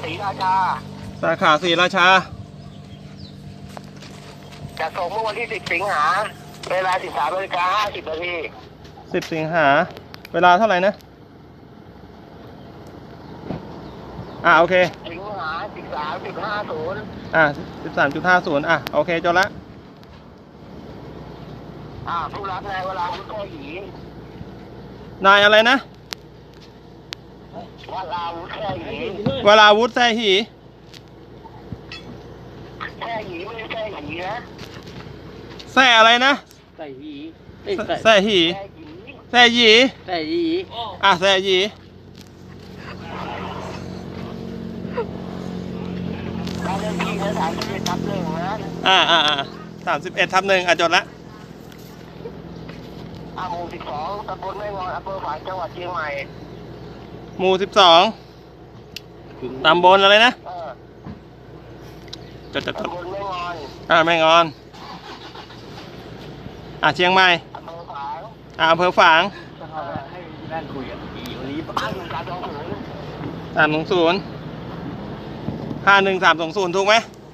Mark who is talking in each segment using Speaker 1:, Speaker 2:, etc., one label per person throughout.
Speaker 1: ศรีราชา
Speaker 2: สาขาศรีราชา
Speaker 1: จะส่งเมื่อวันที่10 สิงหาเวลา 13:50 นาที
Speaker 2: 10 สิงหาเวลาเท่าไหร่นะโอเค
Speaker 1: สิงหา 13.50
Speaker 2: 13.50โอเคจบละ
Speaker 1: ผู้รับนายวราวุฒิแท้หยี
Speaker 2: นายอะไรนะ
Speaker 1: วราวุฒิแท้หยี
Speaker 2: วราวุฒิแท้หี
Speaker 1: แท้หยีไม่ใช่แท้หยีนะ
Speaker 2: แท้อะไรนะ
Speaker 3: แท้หยี
Speaker 2: แท้หีแท้หยี
Speaker 3: แท้หยี
Speaker 2: แท้หยี
Speaker 1: การเล่นที่นะ31/1นะ
Speaker 2: 31/1จบละ
Speaker 1: หมู่ 12 ตำบลแม่งอนอำเภอฝางจังหวัดเชียงใหม่
Speaker 2: หมู่ 12ตำบลอะไรนะ
Speaker 1: ตำบลแม่งอน
Speaker 2: แม่งอนเชียงใหม่
Speaker 1: อำเภอฝาง
Speaker 3: ให้นั่นคุยกันวันนี้
Speaker 2: 320 51320ถูกไหม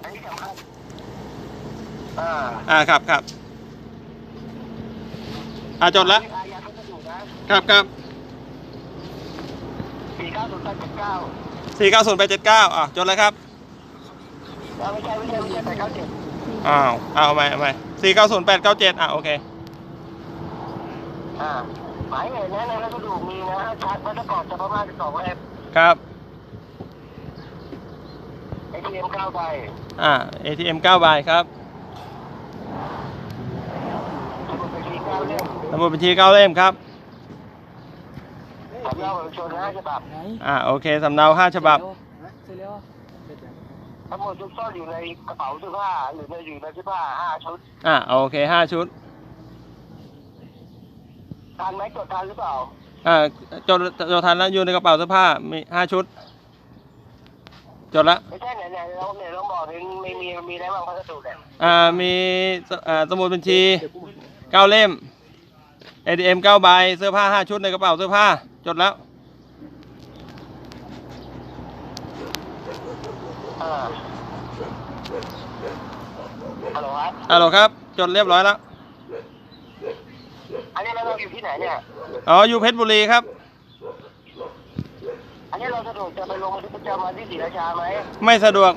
Speaker 2: ครับจดแล้วครับ490-879จดแล้วครับ
Speaker 1: ไม่ใช่897
Speaker 2: เอาใหม่490-897โอเค
Speaker 1: หมายเหตุนะในรัสดุมีนะชัดวัตถุก่อนจะประมาณ12 เล่ม
Speaker 2: ครับ
Speaker 1: ATM 9 ใบ
Speaker 2: ATM 9 ใบครับสมุดบัญชี 9 เล่มครับ
Speaker 1: สำเนาบัตรประชาชน5 ฉบับ
Speaker 2: โอเคสำเนา5 ฉบับ
Speaker 1: ทั้งหมดซุกซ่อนอยู่ในกระเป๋าเสื้อผ้าหรืออยู่ในเสื้อผ้า5 ชุด
Speaker 2: โอเค5 ชุด
Speaker 1: ทันไหมจดทันหรือเปล่า
Speaker 2: จดทันแล้วอยู่ในกระเป๋าเสื้อผ้ามี5 ชุดจดละ
Speaker 1: ไม่ใช่ไหนเราบอกถึงมีอะไรบ้างพัสดุเนี่ย
Speaker 2: มีสมุดบัญชี 9 เล่ม ATM 9 ใบเสื้อผ้า5 ชุดในกระเป๋าเสื้อผ้าจดแล้ว
Speaker 1: ฮัลโหล
Speaker 2: ครับจดเรียบร้อยแล้ว
Speaker 1: อันนี้เราอยู่ที่ไหนเนี่ย
Speaker 2: อยู่เพชรบุรีครับ
Speaker 1: อันนี้เราสะดวกจะไปลงบันทึกประจำวันที่ศรีราชาไหม
Speaker 2: ไม่สะดวก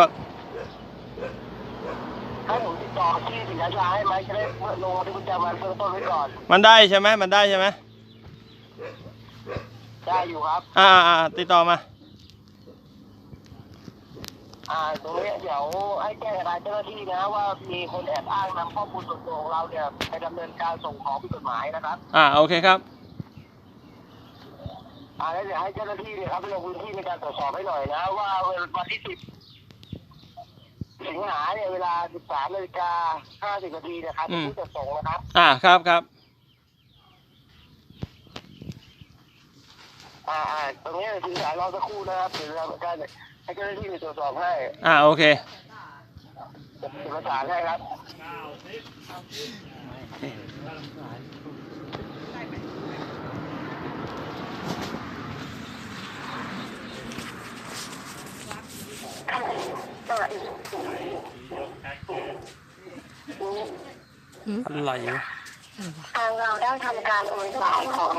Speaker 1: ให้ผมติดต่อที่ศรีราชาให้ไหมจะได้ลงบันทึกประจำวันเบื้องต้นไว้ก่อน
Speaker 2: มันได้ใช่ไหมได้
Speaker 1: อยู่ครับ
Speaker 2: ติดต่อมา
Speaker 1: ตรงนี้เดี๋ยวให้แจ้งกับเจ้าหน้าที่นะว่ามีคนแอบอ้างนำข้อมูลส่วนตัวของเราเนี่ยไปดำเนินการส่งของผิดกฎหมายนะครับ
Speaker 2: โอเคครับ
Speaker 1: แล้วเดี๋ยวให้เจ้าหน้าที่เนี่ยครับไปลงพื้นที่ในการตรวจสอบให้หน่อยนะว่าวันที่10 สิงหาเนี่ยเวลา 13:50 นาทีนะครับผู้จัดส่งนะครับ
Speaker 2: ครับ
Speaker 1: ตรงนี้ถึงสายรอสักครู่นะครับเดี๋ยวเราจะให้เจ้าหน้าที่ไปตรวจสอบให้
Speaker 2: โอเค
Speaker 1: จะประสานให้ครับ
Speaker 2: อะไร
Speaker 1: ทางเราได้ทำการโอนสายของ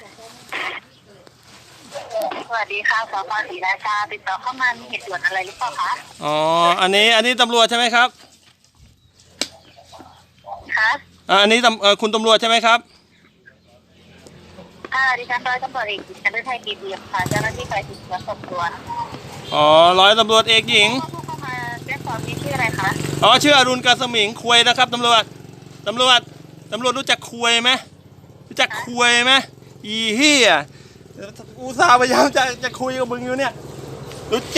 Speaker 1: สวัสดีค่ะสพศรีราชาติดต่อเข้ามามีเหตุด่วนอะไรหรือเปล่าคะ
Speaker 2: อันนี้ตำรวจใช่ไหมครับ
Speaker 1: คะ
Speaker 2: อันนี้คุณตำรวจใช่ไหมครับ
Speaker 1: ดิฉันร้อยตำรวจเอกหญิงฤทัยดีเดียมค่ะเจ้าหน้าที่ฝ่ายสืบสวนสอบสวน
Speaker 2: ร้อยตำรวจเอกหญิง
Speaker 1: เข้ามาแจ้งความนี้ชื่ออะไรคะ
Speaker 2: ชื่ออรุณกาสมิงควยนะครับตำรวจรู้จักควยไหมอีเหี้ยอุตส่าห์พยายามจะคุยกับมึงอยู่เนี่ยรู้